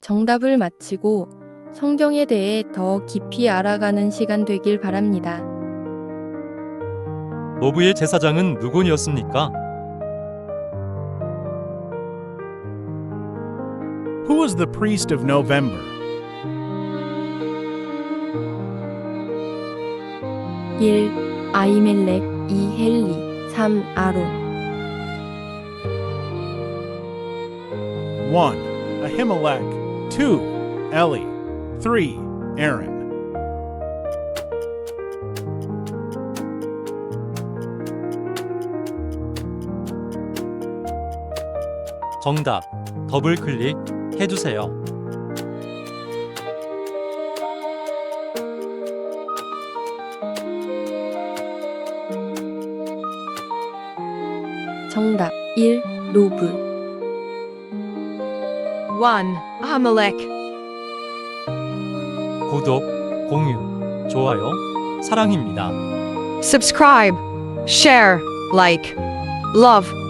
정답을 맞히고 성경에 대해 더 깊이 알아가는 시간 되길 바랍니다. 노브의 제사장은 누구였습니까? Who was the priest of November? 1. 아히멜렉 2. 헬리 3. 아론 1. Ahimelech. 2. Eli. 3. Aaron. 정답, 더블 클릭 해주세요. 정답 1. 노브 1. Ahimelech. 구독, 공유, 좋아요, 사랑입니다. Subscribe, share, like, love.